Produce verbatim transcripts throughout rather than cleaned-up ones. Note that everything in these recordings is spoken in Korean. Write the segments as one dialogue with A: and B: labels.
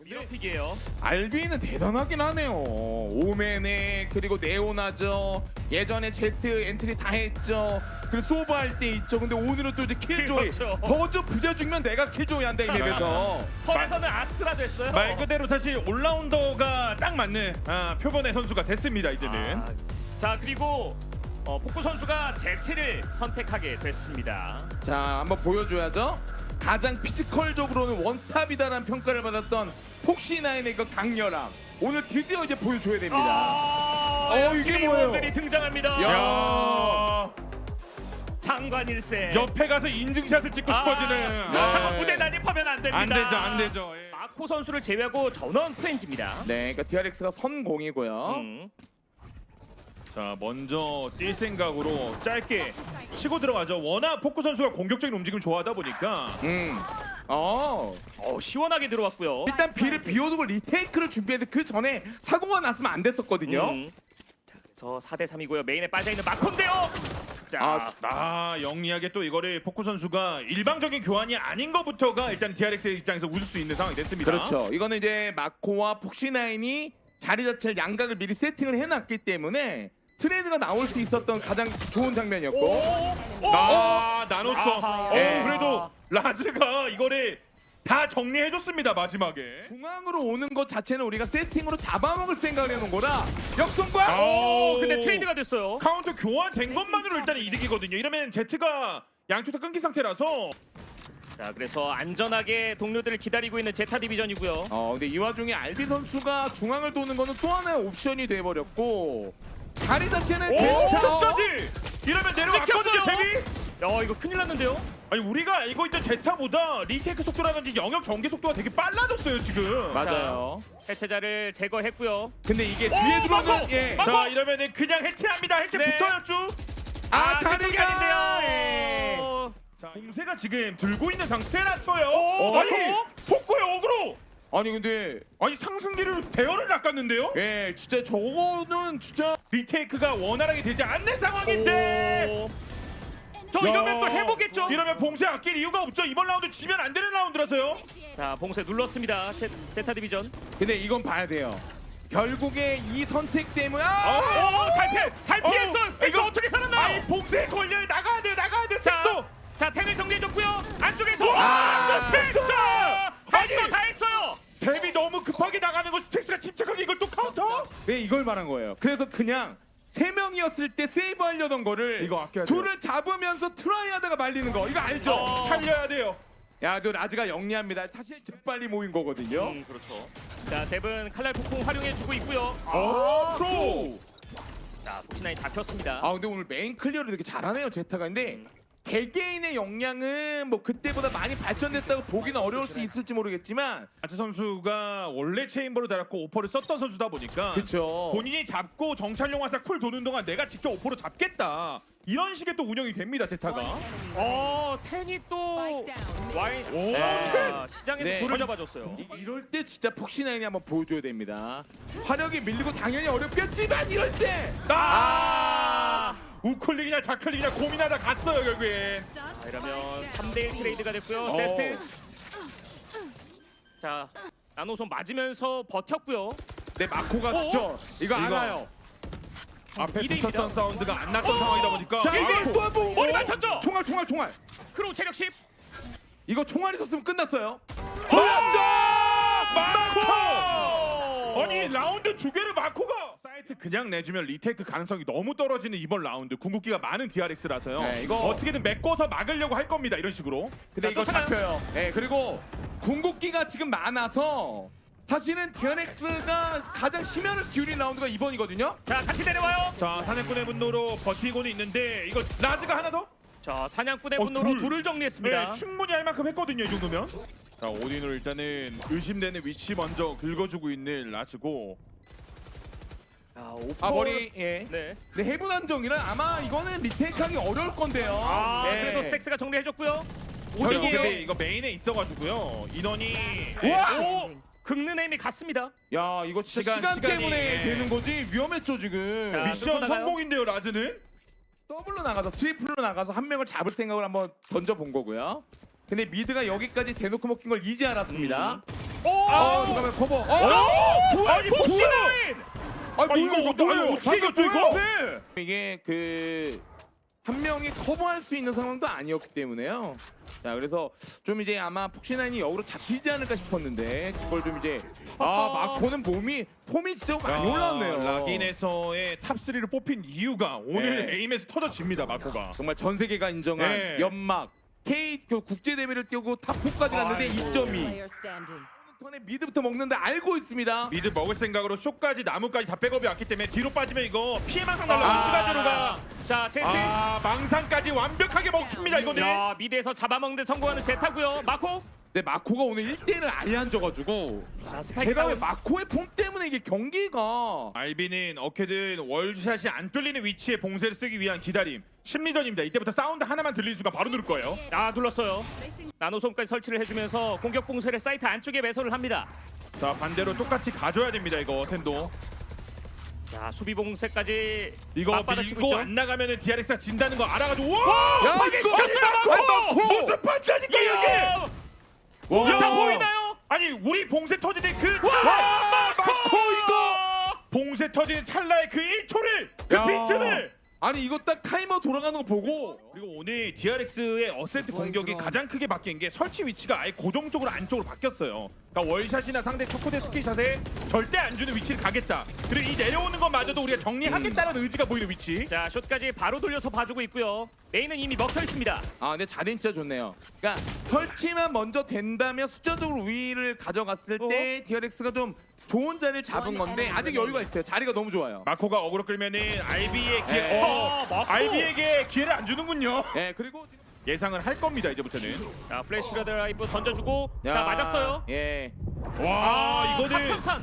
A: 미러픽이에요.
B: 알비는 대단하긴 하네요. 오맨에 그리고 네오나죠. 예전에 제트 엔트리 다 했죠. 그리고 소브 할 때 있죠. 근데 오늘은 또 이제 킬조이.
A: 그렇죠.
B: 더저 부자 죽면 내가 킬조이 한다 이 맵에서.
A: 펄에서는 아스트라 됐어요.
C: 말 그대로 사실 올라운더가 딱 맞는 아, 표본의 선수가 됐습니다 이제는.
A: 아, 자 그리고 어, 폭구 선수가 제트를 선택하게 됐습니다.
B: 자 한번 보여줘야죠. 가장 피지컬적으로는 원탑이다라는 평가를 받았던 폭시나인의 그 강렬함. 오늘 드디어 이제 보여줘야 됩니다.
A: 아,
B: 어, 이게 뭐예요?
A: 들이 등장합니다.
B: 야.
A: 장관 일세.
C: 옆에 가서 인증샷을 찍고 싶어지는.
A: 아,
C: 아,
A: 그렇다고
B: 네.
A: 무대 난입하면 안 됩니다.
C: 안 되죠, 안 되죠. 예.
A: 마코 선수를 제외하고 전원 프렌즈입니다.
B: 네, 그러니까 디알엑스가 선공이고요.
A: 음.
C: 자 먼저 뛸 생각으로 짧게 치고 들어가죠. 워낙 포크 선수가 공격적인 움직임 좋아하다 보니까
B: 음. 어.
A: 어, 시원하게 들어왔고요.
B: 일단 비를 비워두고 리테이크를 준비했는데 그 전에 사고가 났으면 안 됐었거든요.
A: 음. 자, 그래서 사 대 삼이고요. 메인에 빠져 있는 마코인데요. 자,
B: 아,
C: 아 영리하게 또 이거를 포크 선수가 일방적인 교환이 아닌 것부터가 일단 디알엑스의 입장에서 웃을 수 있는 상황이 됐습니다.
B: 그렇죠. 이거는 이제 마코와 폭시나인이 자리 자체를 양각을 미리 세팅을 해놨기 때문에 트레이드가 나올 수 있었던 가장 좋은 장면이었고.
A: 오, 오,
C: 아 나눴어.
A: 아하.
C: 어,
B: 예.
C: 그래도 라즈가 이거를 다 정리해줬습니다 마지막에.
B: 중앙으로 오는 것 자체는 우리가 세팅으로 잡아먹을 생각을 해놓은 거라 역성과
A: 오, 근데 트레이드가 됐어요.
C: 카운터 교환된 것만으로 일단 이득이거든요. 이러면 제트가 양쪽 다 끊긴 상태라서.
A: 자, 그래서 안전하게 동료들을 기다리고 있는 제타 디비전이고요.
B: 어 근데 이 와중에 알비 선수가 중앙을 도는 거는 또 하나의 옵션이 돼버렸고 자리 자체는
C: 오
B: 괜찮아.
C: 끝까지. 이러면 내려왔거든요
A: 찍혔어요.
C: 데뷔.
A: 야, 이거 큰일 났는데요.
C: 아니 우리가 알고 있던 제타보다 리테이크 속도라든지 영역 전개 속도가 되게 빨라졌어요 지금.
B: 맞아요.
A: 해체자를 제거했고요.
B: 근데 이게
A: 오,
B: 뒤에 들어오는
A: 마코!
B: 예.
A: 마코!
C: 자 이러면은 그냥 해체합니다. 해체
A: 네.
C: 붙어요 쭉.
B: 아,
A: 그쪽이
B: 자리가
A: 아닌데요.
B: 예.
A: 어,
C: 자 공세가 지금 들고 있는 상태라서요.
A: 오,
C: 아니
A: 마코?
C: 폭구의 어그로.
B: 아니 근데
C: 아니 상승기를 대열을 낚았는데요.
B: 예 진짜 저거는 진짜
C: 리테이크가 원활하게 되지 않는 상황인데.
A: 오. 저 이러면 또 해보겠죠.
C: 이러면 봉쇄 아낄 이유가 없죠. 이번 라운드 지면 안 되는 라운드라서요.
A: 자, 봉쇄 눌렀습니다. 제, 제타 디비전.
B: 근데 이건 봐야 돼요. 결국에 이 선택 때문에 아!
A: 오, 잘 피해, 잘 피했어.
C: 어,
A: 스틱스
C: 이거-
A: 어떻게
C: 아이
A: 살았나요?
C: 봉쇄 걸려 나가야 돼 나가야 돼
A: 자,
C: 섹스도.
A: 자, 탱을 정리해줬고요. 안쪽에서
C: 와,
A: 와,
C: 스틱스!
A: 스틱스
C: 아니!
A: 할거 다 했어요.
C: 데뷔 너무 급하게 나가는 거 스택스가 침착하게 이걸 또 카운터?
B: 네 이걸 말한 거예요. 그래서 그냥 세 명이었을 때 세이브 하려던 거를
C: 이거 아껴야 돼요.
B: 둘을 잡으면서 트라이하다가 말리는 거 이거 알죠?
A: 어.
C: 살려야 돼요.
B: 야, 저 라즈가 영리합니다. 사실 재빨리 모인 거거든요.
A: 음, 그렇죠. 자, 뎁은 칼날 폭풍 활용해주고 있고요.
C: 오, 프로.
A: 자, 폭신아이 잡혔습니다.
B: 아 근데 오늘 메인 클리어를 되게 잘하네요 제타가. 근데 개개인의 역량은 뭐 그때보다 많이 발전됐다고 보기는 어려울 수 있을지 모르겠지만
C: 아츠 선수가 원래 체인버로 달았고 오퍼를 썼던 선수다 보니까
B: 그쵸.
C: 본인이 잡고 정찰용 화살 쿨 도는 동안 내가 직접 오퍼로 잡겠다 이런 식의 또 운영이 됩니다 제타가.
A: 어, 텐이 또 와인.
C: 오,
A: 아, 시장에서
B: 네.
A: 줄을 잡아줬어요.
B: 이, 이럴 때 진짜 폭신아인이 한번 보여줘야 됩니다. 화력이 밀리고 당연히 어렵겠지만 이럴 때
C: 아! 우클릭이냐 좌클릭이냐 고민하다 갔어요 결국엔.
A: 자, 이러면 삼 대 일 트레이드가 됐고요.
C: 어.
A: 세스트. 자, 나노손 맞으면서 버텼고요.
B: 네 마코가
A: 어?
B: 진짜 이거
C: 이거.
B: 알아요.
C: 앞에
A: 이 대 일입니다.
C: 붙었던 사운드가 안 났던
A: 어!
C: 상황이다 보니까.
B: 자
C: 아,
B: 이게 또 한번
A: 머리 맞췄죠?
B: 총알 총알 총알.
A: 크로우 체력 십.
B: 이거 총알 있었으면 끝났어요.
C: 맞죠! 마코!
A: 마코!
C: 아니 라운드 두 개를 마코가 사이트 그냥 내주면 리테이크 가능성이 너무 떨어지는 이번 라운드 궁극기가 많은 디알엑스라서요.
B: 네, 이거-
C: 어떻게든 메꿔서 막으려고 할 겁니다 이런 식으로.
B: 근데
A: 자,
B: 이거
A: 쫓아가요.
B: 잡혀요. 네 그리고 궁극기가 지금 많아서 사실은 디알엑스가 가장 심혈을 기울인 라운드가 이번이거든요.
A: 자, 같이 내려와요.
C: 자 사냥꾼의 분노로 버티고는 있는데 이거 라즈가 하나 더?
A: 자, 사냥꾼의
C: 어,
A: 분노로
C: 둘.
A: 둘을 정리했습니다.
C: 네 충분히 할 만큼 했거든요 이 정도면. 자 오딘으로 일단은 의심되는 위치 먼저 긁어주고 있는 라즈고.
A: 자, 오퍼.
B: 아 머리 예.
A: 네.
B: 근데 해분 안정이라 아마 이거는 리테이크하기 어려울 건데요.
A: 아,
B: 네.
A: 그래도 스택스가 정리해줬고요.
C: 이거
B: 오딘이에요.
C: 근데 이거 메인에 있어가지고요 인원이.
B: 우와!
A: 오, 긁는 힘이 갔습니다.
B: 야 이거 진짜
C: 시간,
B: 시간,
C: 시간이,
B: 때문에
C: 예.
B: 되는 거지 위험했죠 지금.
A: 자,
C: 미션
A: 누구 나가요?
C: 성공인데요 라즈는.
B: 더블로 나가서 트리플로 나가서 한 명을 잡을 생각을 한번 던져 본 거고요. 근데 미드가 여기까지 대놓고 먹힌 걸 이제 알았습니다.
A: 오!
B: 아, 잠깐만 커버. 어?
A: 오!
C: 아니,
A: 폭신아인!
B: 아,
C: 아 이거
B: 뭐야,
C: 어떻게
B: 뭐예요?
C: 어떻게 이겼죠
B: 방금
C: 이거?
B: 뭐야? 이게 그 한 명이 커버할 수 있는 상황도 아니었기 때문에요. 자, 그래서 좀 이제 아마 폭신아인이 역으로 잡히지 않을까 싶었는데 그걸 좀 이제 아 마코는 몸이 폼이 진짜 많이 올라왔네요.
C: 락인에서의 탑 쓰리를 뽑힌 이유가 오늘
B: 네.
C: 에임에서 터져집니다 마코가.
B: 정말 전 세계가 인정한
C: 네.
B: 연막 K 그 국제 대회를 뛰고 탑사까지 갔는데
A: 아이고.
B: 이 점이
D: Player standing.
B: 턴에 미드부터 먹는데 알고 있습니다.
C: 미드 먹을 생각으로 쇼까지 나무까지 다 백업이 왔기 때문에 뒤로 빠지면 이거 피해망상 날라오는 슈가제로가
A: 자, 제스트.
C: 아 망상까지 완벽하게 먹힙니다 이거는.
A: 야, 미드에서 잡아먹는 성공하는 제타고요. 마코.
B: 근데 마코가 오늘 일 대일을 아예 안 져가지고
A: 자, 스파이크
B: 제가 왜
A: 다운.
B: 마코의 폼 때문에 이게 경기가
C: 알비는 어케든 월샷이 안 뚫리는 위치에 봉쇄를 쓰기 위한 기다림 심리전입니다. 이때부터 사운드 하나만 들리는 순간 바로 누를 거예요.
A: 아, 눌렀어요. 나노솜까지 설치를 해주면서 공격 봉쇄를 사이트 안쪽에 매설을 합니다.
C: 자 반대로 똑같이 가져야 됩니다 이거 텐도.
A: 자, 수비 봉쇄까지
C: 이거
A: 맞받아치고
C: 밀고
A: 있죠.
C: 안 나가면은 디알엑스가 진다는 거 알아가지고 와!
B: 야,
A: 파괴시켰어요,
B: 이거
A: 마코!
B: 마코!
C: 무슨 판단이니까 이게!
A: 야,
B: 와,
A: 다 보이나요?
C: 아니 우리 봉쇄 터지는 그
B: 와,
C: 찰나
B: 마코 이거!
C: 봉쇄 터지는 찰나의 그 일 초를 그
B: 야.
C: 비트를
B: 아니 이거 딱 타이머 돌아가는 거 보고
C: 그리고 오늘 디알엑스의 어센트 공격이 가장 크게 바뀐 게 설치 위치가 아예 고정적으로 안쪽으로 바뀌었어요. 그러니까 월샷이나 상대 초코대 스키샷에 절대 안 주는 위치를 가겠다. 그리고 이 내려오는 것마저도 우리가 정리하겠다는 의지가 보이는 위치.
A: 자, 숏까지 바로 돌려서 봐주고 있고요. 메인은 이미 먹혀 있습니다.
B: 아 근데 자리는 진짜 좋네요. 그러니까 설치만 먼저 된다면 숫자적으로 우위를 가져갔을 때 디알엑스가 좀 좋은 자리를 잡은 건데 아직 여유가 있어요. 자리가 너무 좋아요.
C: 마코가 어그로 끌면은 알비의 기회,
B: 네.
C: 어,
A: 마코!
C: 알비에게 기회를 안 주는군요.
B: 예 그리고 지금
C: 예상을 할 겁니다 이제부터는.
A: 자, 플래시 드라이브 던져주고 자,
B: 야,
A: 맞았어요.
B: 예.
C: 와 이거는
A: 탑탄.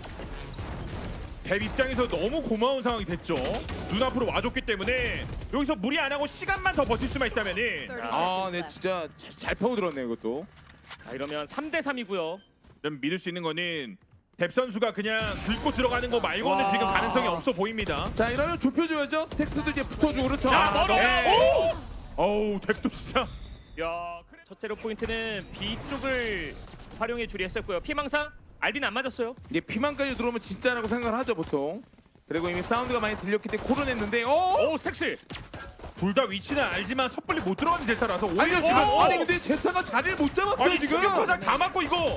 C: 대 입장에서 너무 고마운 상황이 됐죠. 눈앞으로 와줬기 때문에 여기서 무리 안 하고 시간만 더 버틸 수만 있다면은
B: 아, 네 진짜 잘, 잘 파고들었네요 이것도.
A: 자, 이러면 삼 대 삼이고요.
C: 좀 믿을 수 있는 거는 뎁 선수가 그냥 긁고 들어가는 거 말고는
A: 와.
C: 지금 가능성이 없어 보입니다.
B: 자 이러면 좁혀줘야죠. 스택스도 이제 붙어주고 그렇죠.
A: 자, 멀어.
B: 예.
A: 오!
C: 어우 뎁도 진짜.
A: 야, 그래. 첫 제로 포인트는 B 쪽을 활용해 주리 했었고요. 피망상 알비는 안 맞았어요.
B: 이제 피만까지 들어오면 진짜라고 생각을 하죠 보통. 그리고 이미 사운드가 많이 들렸기 때문에 코론했는데 어?
A: 오, 스택스.
C: 둘 다 위치는 알지만 섣불리 못 들어가는 제타라서
B: 아니
C: 오히려
B: 지금
C: 지금
A: 오!
B: 아니 근데 제타가 자리를 못 잡았어요
C: 아니
B: 지금.
C: 지금 화장 다 맞고 이거.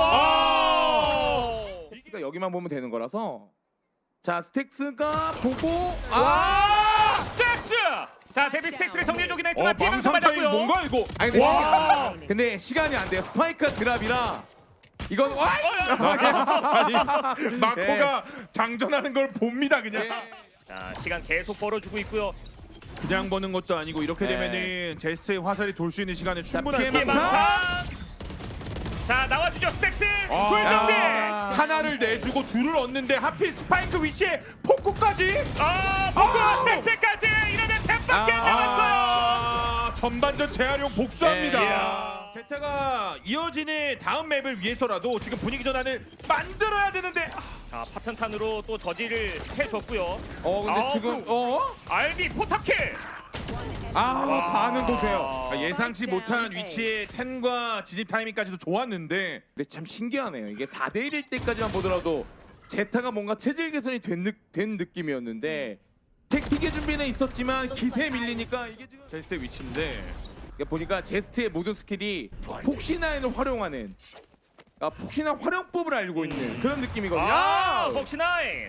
B: 아.
A: 오!
B: 스택스가 여기만 보면 되는 거라서. 자 스택스가 보고 아.
A: 스택스. 자, 데뷔 스택스를 정리해 주긴 했지만
C: 어
A: 피망상
C: 망상 타임
A: 맞았고요.
C: 뭔가 이거.
B: 아니 근데
A: 와.
B: 시간 근데 시간이 안 돼요. 스파이크가 드랍이라 이건 와.
C: 아니 마코가 장전하는 걸 봅니다 그냥.
B: 예.
A: 자, 시간 계속 벌어주고 있고요.
C: 그냥 버는 것도 아니고 이렇게
B: 네.
C: 되면은 제스의 화살이 돌 수 있는 시간은 충분할
B: 피해
C: 거고.
B: 망상.
A: 피망상. 자, 나와주죠 스택스.
C: 아.
A: 둘 정비.
B: 야.
C: 하나를 내주고 둘을 얻는데 하필 스파이크 위치에 폭구까지.
A: 아, 포크
C: 아우.
A: 스택스까지 이러면 템밖에 안 남았어요.
C: 아, 전반전 재활용 복수합니다.
B: 네.
A: 이야.
C: 제타가 이어지는 다음 맵을 위해서라도 지금 분위기 전환을 만들어야 되는데
A: 자, 파편탄으로 또 저지를 해줬고요.
B: 어 근데
A: 아우.
B: 지금 어?
A: 알비 포탑킬.
B: 아 반응 보세요.
C: 아, 예상치 못한 위치에 텐과 진입 타이밍까지도 좋았는데
B: 근데 참 신기하네요. 이게 사 대 일일 때까지만 보더라도 제타가 뭔가 체질 개선이 된, 느, 된 느낌이었는데 택틱의 준비는 있었지만 기세에 밀리니까 이게 지금
C: 제스의 위치인데
B: 이게 보니까 제스트의 모든 스킬이 폭신화인을 활용하는 아, 폭신화 활용법을 알고 있는 그런 느낌이거든요.
A: 아,
B: 야!
A: 폭시나인.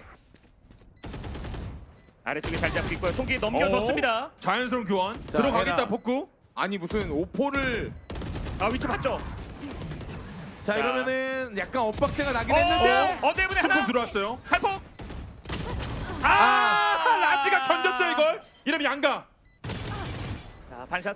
A: 아래쪽에 잘 잡고 있고요. 총기 넘겨줬습니다.
C: 어? 자연스러운 교환
B: 자,
C: 들어가겠다
B: 해라.
C: 폭구.
B: 아니 무슨 오포를
A: 아, 위치 봤죠?
B: 자,
A: 자.
B: 이러면은 약간 엇박자가 나긴 했는데
A: 어, 때문에
C: 스폰
A: 하나.
C: 들어왔어요.
A: 칼폭.
C: 아,
A: 아,
C: 라지가 견뎠어요 이걸. 이러면 양가.
A: 자, 반샷.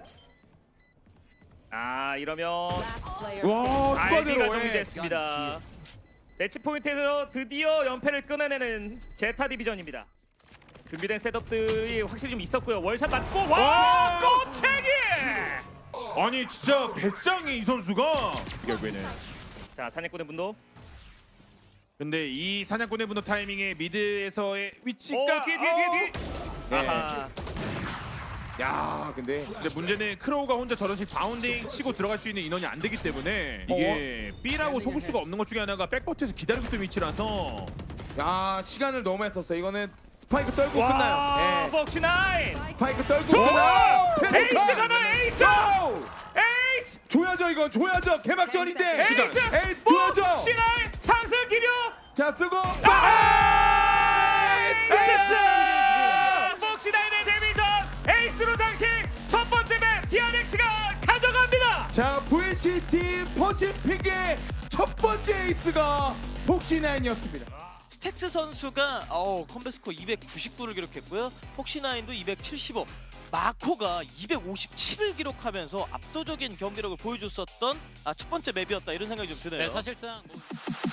A: 아, 이러면
D: Last player
B: 와
A: 알비가
B: 추가대로 예.
A: 정리됐습니다. 매치 포인트에서 드디어 연패를 끊어내는 제타 디비전입니다. 준비된 셋업들이 확실히 좀 있었고요. 월샷 맞고 와,
C: 와!
A: 꼬챙이.
C: 아니 진짜 배짱이 이 선수가 결국에는.
A: 자, 사냥꾼의 분노.
C: 근데 이 사냥꾼의 분노 타이밍에 미드에서의 위치가
A: 오, 뒤에 뒤에 뒤에 뒤에.
B: 네.
A: 아하.
B: 야 근데
C: 근데 문제는 크로우가 혼자 저런식 바운딩 치고 들어갈 수 있는 인원이 안 되기 때문에 이게 B라고 속을 수가 없는 것 중에 하나가 백버트에서 기다리고 있던 위치라서
B: 야 시간을 너무 했었어. 이거는 스파이크 떨고
A: 와,
B: 끝나요. 예.
A: 폭시나인.
B: 스파이크 떨고
A: 와,
B: 끝나요.
A: 에이스
B: 페노탄!
A: 가나 에이스.
B: 와우!
A: 에이스.
B: 줘야죠 이건 줘야죠. 개막전인데.
A: 에이스.
B: 에이스 줘야죠.
A: 폭시나인 상승 기류.
B: 자 쓰고
A: 에이스. 폭시나인의 데뷔전 에이스로 당시 첫 번째 맵 디알엑스가 가져갑니다.
B: 자 브이씨티 퍼시픽의 첫 번째 에이스가 폭시나인이었습니다.
D: 스택스 선수가 어, 컴백 스코어 이백구십구를 기록했고요. 폭시나인도 이백칠십오. 마코가 이백오십칠을 기록하면서 압도적인 경기력을 보여줬었던 아, 첫 번째 맵이었다 이런 생각이 좀 드네요.
E: 네, 사실상 뭐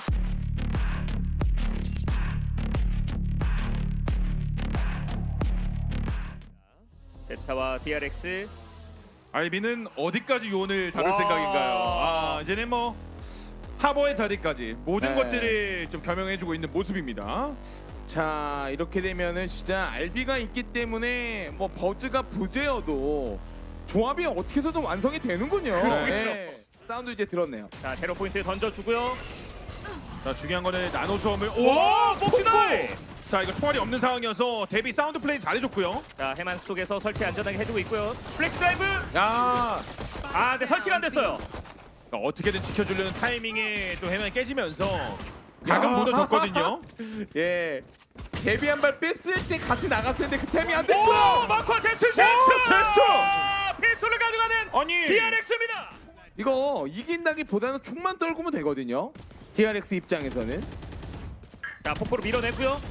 A: 제타와 디알엑스.
C: 알비는 어디까지 요원을 다룰
A: 와.
C: 생각인가요? 아 이제는 뭐 하버의 자리까지 모든
B: 네.
C: 것들을 좀 겸용해주고 있는 모습입니다.
B: 자 이렇게 되면은 진짜 알비가 있기 때문에 뭐 버즈가 부재여도 조합이 어떻게 해서든 완성이 되는군요.
A: 그럼요.
B: 사운드 이제 들었네요.
A: 자 제로 포인트 던져주고요.
C: 자 중요한 거는 나노 수험을
A: 오, 폭시나인.
C: 자 이거 총알이 없는 상황이어서 데뷔 사운드 플레이 잘해줬고요.
A: 자 해만 속에서 설치 안전하게 해주고 있고요. 플렉스 드라이브.
B: 야
A: 아, 근데 설치가 안 됐어요.
C: 그러니까 어떻게든 지켜주려는 타이밍에 또 해만이 깨지면서 각은
B: 야.
C: 무너졌거든요.
B: 예. 데뷔 한 발 뺐을 때 같이 나갔을 때 그 템이 안
A: 오,
B: 됐고요.
A: 마코 제스트 제스트.
C: 제스트!
A: 아, 피스톨을 가져가는
C: 아니
A: 디알엑스입니다.
B: 이거 이긴다기보다는 총만 떨구면 되거든요. 디알엑스 입장에서는.
A: 자 폭포로 밀어냈고요.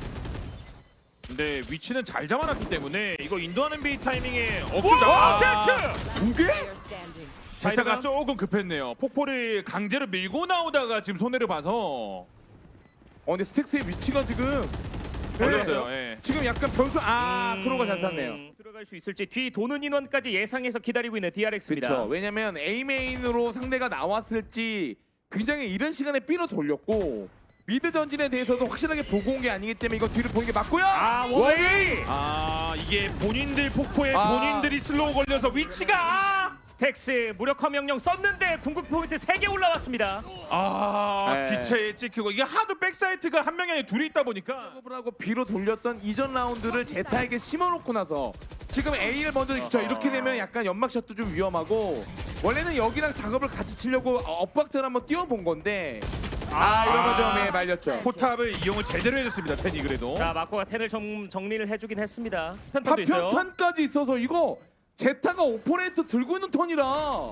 C: 근데 위치는 잘 잡아놨기 때문에 이거 인도하는 비 타이밍에
A: 오,
C: 억지로
A: 제스트.
B: 두 개?
C: 제타가 조금 급했네요. 폭포를 강제로 밀고 나오다가 지금 손해를 봐서
B: 어 근데 스택스의 위치가 지금
C: 걸렸어요.
B: 네.
C: 예.
B: 지금 약간 변수 아
A: 음,
B: 크로가 잘 쐈네요.
A: 들어갈 수 있을지 뒤 도는 인원까지 예상해서 기다리고 있는 디알엑스입니다.
B: 그렇죠. 왜냐면 A 메인으로 상대가 나왔을지 굉장히 이른 시간에 B로 돌렸고 미드 전진에 대해서도 확실하게 보고 온 게 아니기 때문에 이거 뒤를 보는 게 맞고요.
A: 아, 원웨이.
C: 아 이게 본인들 폭포에
B: 아.
C: 본인들이 슬로우 걸려서 위치가
A: 스택스 무력화 명령 썼는데 궁극 포인트 세 개 올라왔습니다.
C: 아
B: 네.
C: 기체에 찍히고 이게 하도 백사이트가 한 명이 아니라 둘이 있다 보니까
B: 작업을 하고 B로 돌렸던 이전 라운드를 제타에게 심어놓고 나서 지금 A를 먼저 그쵸 이렇게 되면 약간 연막샷도 좀 위험하고 원래는 여기랑 작업을 같이 치려고 엇박자를 한번 띄워본 건데 아 이러면 좀 예, 말렸죠.
C: 포탑을 이용을 제대로 해줬습니다. 팬이 그래도
A: 자 마코가 텐을 좀 정리를 해주긴 했습니다. 편탄도 있어요.
B: 파편탄까지 있어서 이거 제타가 오퍼레이터 들고 있는 턴이라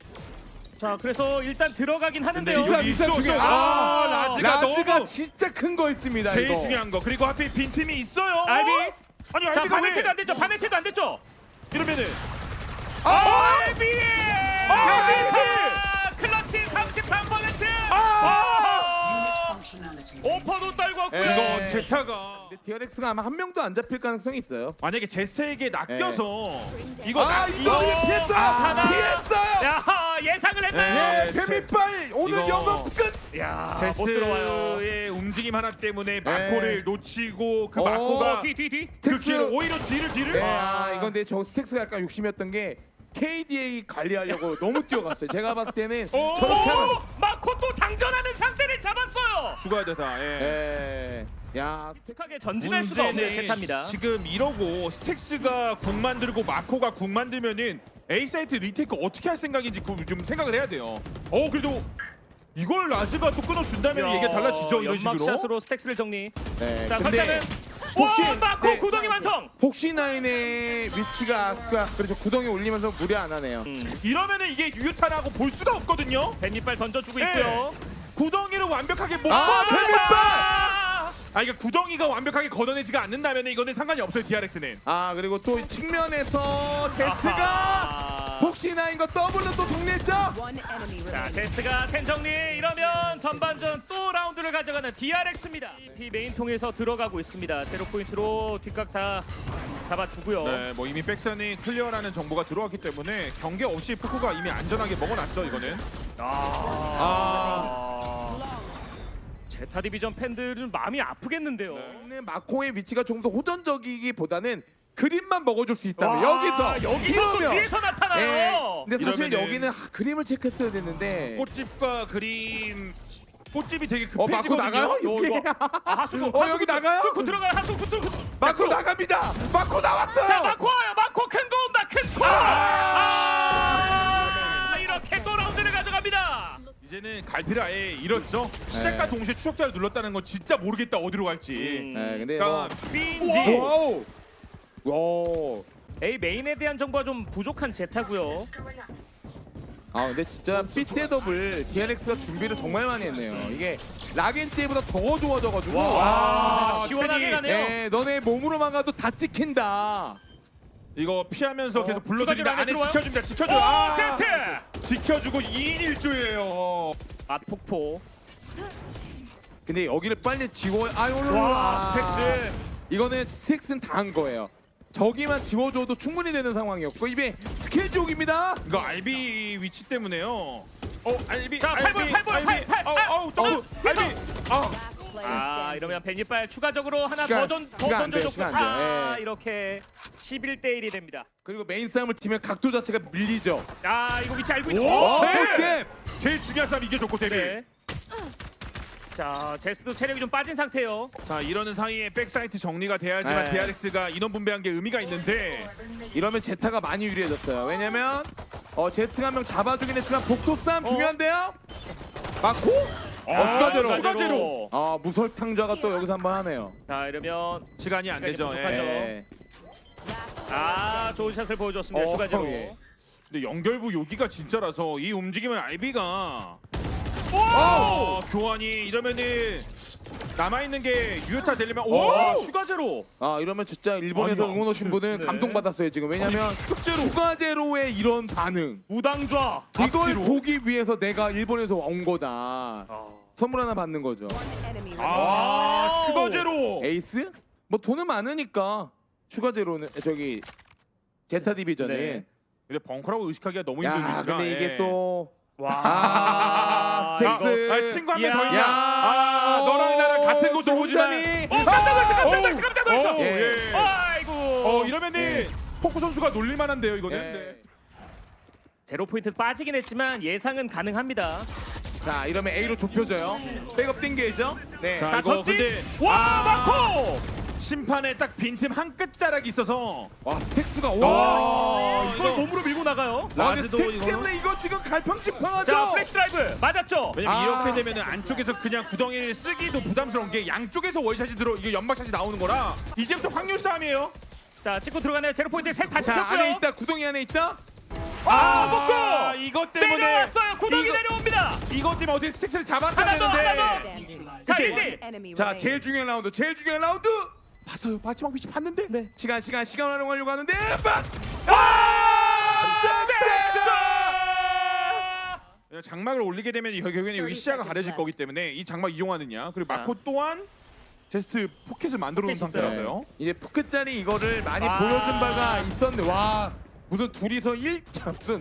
A: 자 그래서 일단 들어가긴
C: 근데
A: 하는데요.
C: 여기
B: 이사,
C: 이쪽에
B: 이사,
C: 아
B: 아,
C: 라즈가,
B: 라즈가
C: 너무
B: 진짜 큰 거 있습니다.
C: 제일
B: 이거.
C: 중요한 거 그리고 하필 빈틈이 있어요.
A: 알비.
C: 아니
A: 자
C: 알비가
A: 반해체도
C: 왜
A: 안 됐죠. 반해체도 안 됐죠.
C: 이러면은
B: 아!
A: 알비.
C: 아,
A: 알비. 클러치 삼십삼 퍼센트. 오퍼도 떨고 왔고요.
B: 예.
C: 이거 제타가
B: 근데 디알엑스가 아마 한 명도 안 잡힐 가능성이 있어요.
C: 만약에 제스에게 낚여서 이거
B: 아
C: 낚-
B: 이거
A: 이거-
B: 피했어!
A: 아, 하나.
B: 피했어요!
A: 야 예상을 했나요?
C: 네.
B: 예, 뱀이빨 오늘
C: 이거-
B: 영업 끝!
A: 야 못 들어와요.
C: 제스의 움직임 하나 때문에 마코를 놓치고 그
B: 어,
C: 마코가
A: 뒤 뒤 뒤.
C: 그
B: 스택스.
C: 길을 오히려 뒤를 뒤를
B: 네,
C: 아.
B: 아, 이건 근데 저 스택스가 약간 욕심이었던 게 케이디에이 관리하려고 너무 뛰어갔어요. 제가 봤을 때는
A: 오!
B: 저렇게 하면
A: 마코 또 장전하는 상대를 잡았어요.
C: 죽어야 되다. 예.
B: 예. 야,
A: 익숙하게 전진할 수가 없는 제타입니다.
C: 지금 이러고 스택스가 궁 만들고 마코가 궁 만들면은 A 사이트 리테이크 어떻게 할 생각인지 그- 좀 생각을 해야 돼요. 어 그래도 이걸 라즈가 또 끊어준다면 얘기가 달라지죠 이런 식으로.
A: 연막샷으로 스택스를 정리.
B: 네.
A: 자
B: 근데
A: 설자는
B: 혹시-
A: 오 마코
B: 네.
A: 구덩이 완성.
B: 폭시나인의 위치가 아까 그래서 구덩이 올리면서 무리 안 하네요.
A: 음,
C: 이러면은 이게 유효타라고 볼 수가 없거든요.
A: 뱃밑발 던져주고
C: 네.
A: 있고요.
C: 구덩이를 완벽하게 못
B: 아,
C: 걷어낸다.
B: 뱃밑발!
C: 아 이게 구덩이가 완벽하게 걷어내지가 않는다면 이거는 상관이 없어요 디알엑스는.
B: 아 그리고 또 측면에서 제스가
A: 아하.
B: 폭시나인과 더블로 또 정리했죠.
A: 자 제스트가 텐 정리. 이러면 전반전 또 라운드를 가져가는 디알엑스입니다. 이 메인 통해서 들어가고 있습니다. 제로 포인트로 뒷각 다 잡아주고요.
C: 네, 뭐 이미 백선이 클리어라는 정보가 들어왔기 때문에 경계 없이 포코가 이미 안전하게 먹어놨죠 이거는.
A: 아. 제타 디비전 팬들은 마음이 아프겠는데요.
B: 네. 마코의 위치가 좀 더 호전적이기보다는 그림만 먹어줄 수 있다면
A: 와,
B: 여기서
A: 여기서 또
B: 이러면
A: 뒤에서 나타나요.
B: 예. 근데 사실
C: 이러면은-
B: 여기는 아, 그림을 체크했어야 됐는데
C: 꽃집과 그림 꽃집이 되게
B: 어 마코
C: 급해지거든요.
B: 나가요?
A: 요,
B: 이게
A: 이거. 아, 하수구.
B: 어, 여기 나가요?
A: 뚫고 들어가요. 하수구 뚫고.
B: 마코 나갑니다. 마코 나왔어요.
A: 자, 마코 와요. 마코 큰 거 온다. 큰 코. 아! 이렇게 또 라운드를 가져갑니다.
C: 이제는 갈피를 아예 잃었죠. 시작과
B: 네.
C: 동시에 추적자를 눌렀다는 건 진짜 모르겠다 어디로 갈지.
A: 음.
B: 네, 근데
C: 그러니까 B인지
B: 뭐 와우. 와.
A: A 메인에 대한 정보가 좀 부족한 제타고요.
B: 아 근데 진짜 B 셋업을 디알엑스가 준비를 정말 많이 했네요. 이게 락인 때보다 더 좋아져가지고
A: 와,
C: 와,
A: 시원하게
C: 테디.
A: 가네요.
B: 예, 너네 몸으로만 가도 다 찍힌다.
C: 이거 피하면서
A: 어,
C: 계속
A: 추가적으로
C: 불러드리면
A: 안에
C: 안에
A: 들어와요?
C: 지켜줍니다. 지켜줘.
A: 오,
C: 아,
A: 제스트!
C: 지켜주고 이 인 일 조예요.
A: 아, 폭포.
B: 근데 여기를 빨리 지워. 아유
A: 와, 스택스.
B: 이거는 스택스는 다 한 거예요. 저기만 지워줘도 충분히 되는 상황이었고 이게 스케줄입니다.
C: 이거 알비 위치 때문에요. 어 알비.
A: 자, 팔 번,
C: 알비,
A: 팔 번,
C: 알비.
A: 팔, 팔,
C: 어우,
A: 팔.
C: 어우 점프.
A: 어,
C: 알비. 아
A: 아, 이러면 베니빨 추가적으로 하나
B: 시간,
A: 더, 전, 더
B: 시간 안 돼요,
A: 던져줬고
B: 시간 안 돼요.
A: 아,
B: 예.
A: 이렇게 십일 대 일이 됩니다.
B: 그리고 메인 싸움을 치면 각도 자체가 밀리죠.
A: 아, 이거 위치 알고 있는
C: 오,
A: 오,
C: 네.
B: 볼
C: 제일 중요한 싸움 이겨줬고 데뷔.
A: 네. 자, 제스도 체력이 좀 빠진 상태예요.
C: 자 이러는 사이에 백사이트 정리가 돼야지만
B: 네.
C: 디알엑스가 인원 분배한 게 의미가 있는데
B: 이러면 제타가 많이 유리해졌어요. 왜냐면 어 제스가 한 명 잡아주긴 했지만 복도 싸움 중요한데요. 맞고? 어 슈가제로.
C: 슈가제로.
B: 아 무설탕좌가 또 여기서 한번 하네요.
A: 자, 이러면
C: 시간이 안
A: 시간이
C: 되죠.
A: 부족하죠.
C: 예.
B: 예.
A: 아, 좋은 샷을 보여줬습니다.
B: 어,
A: 슈가제로.
B: 예.
C: 근데 연결부 여기가 진짜라서 이 움직임은 알비가
A: 오!
C: 어, 교환이 이러면은 남아 있는 게 유효타 되려면 오
A: 와, 슈가제로.
B: 아 이러면 진짜 일본에서
C: 아니,
B: 응원 오신 분은
A: 네.
B: 감동받았어요 지금. 왜냐면
C: 아니, 슈가제로.
B: 슈가제로의 이런 반응.
A: 무당좌.
B: 이걸
C: 앞뒤로?
B: 보기 위해서 내가 일본에서 온 거다.
A: 아,
B: 선물 하나 받는 거죠.
C: 아 슈거제로.
B: 에이스? 뭐 돈은 많으니까 슈가제로는 저기 제타 디비전은.
A: 네.
C: 근데 벙커라고 의식하기가 너무 힘든
B: 야
C: 위치가.
B: 근데
C: 예.
B: 이게 또
A: 와.
B: 아, 스택스.
C: 이거, 아, 친구 한 명 더
A: 야.
C: 있냐? 아 너랑 나랑 같은 곳을 보지만.
B: 동점이.
A: 어, 깜짝 놀랐어. 깜짝
C: 어우,
A: 놀랐어. 깜짝 놀랐어.
C: 어우, 예.
A: 아이고.
C: 어 이러면은
B: 예.
C: 폭구 선수가 놀릴만한데요 이거는.
B: 예.
C: 네.
A: 제로 포인트 빠지긴 했지만 예상은 가능합니다.
B: 자 이러면 A로 좁혀져요. 백업 땡겨야죠. 네.
C: 자,
A: 자,
C: 이거
A: 전진.
C: 근데-
A: 와,
C: 아.
A: 마코.
C: 심판에 딱 빈틈 한 끝자락이 있어서.
B: 와 스택스가
C: 아,
B: 와.
A: 이걸
C: 이거-
A: 몸으로 밀고 나가요.
B: 와 근데
C: 라드도
B: 스택스
C: 이거-
B: 때문에 이거 지금 갈팡질팡하죠.
A: 자, 플래시 드라이브 맞았죠.
C: 왜냐면
B: 아.
C: 이렇게 되면은 안쪽에서 그냥 구덩이를 쓰기도 부담스러운 게 양쪽에서 월샷이 들어 이게 연막샷이 나오는 거라 이제부터 확률 싸움이에요.
A: 자, 찍고 들어가네요. 제로 포인트 셋 다
B: 자
A: 찍혔고요.
B: 안에 있다. 구덩이 안에 있다.
A: 아,
C: 아,
A: 먹고
C: 이것 때문에
A: 내려왔어요. 구덩이
C: 이거-
A: 내려옵니다.
C: 이것 때문에 어떻게 스택스를 잡았어야
A: 하나 더, 하나
C: 되는데.
A: 더. 자, 일 대 일.
B: 자 제일 중요한 라운드. 제일 중요한 라운드.
C: 봤어요. 마지막 위치 봤는데.
A: 네.
B: 시간 시간 시간 활용하려고 하는데. 빡! 아! 스택스!
C: 장막을 올리게 되면 이 결국에는 여기 시야가 가려질 거기 때문에 이 장막 이용하느냐 그리고 마코 또한 제스트 포켓을 만들어 놓은
A: 포켓 있어요.
C: 상태라서요.
B: 이제 포켓짜리 이거를 많이
A: 아.
B: 보여준 바가 있었는데 와 무슨 둘이서 일 자, 무슨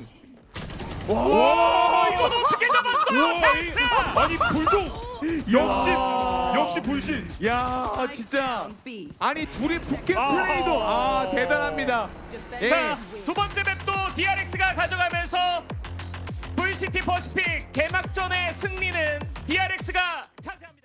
A: 와, 이건 어떻게 잡았어요?
C: 우와, 이-
A: 제스.
C: 아니 불도 역시 역시 불신.
B: 야 진짜 아니 둘이 포켓
A: 아.
B: 플레이도 아 대단합니다. 예.
A: 자, 두 번째 맵도 디알엑스가 가져가면서 브이씨티 퍼시픽 개막전의 승리는 디알엑스가 차지합니다.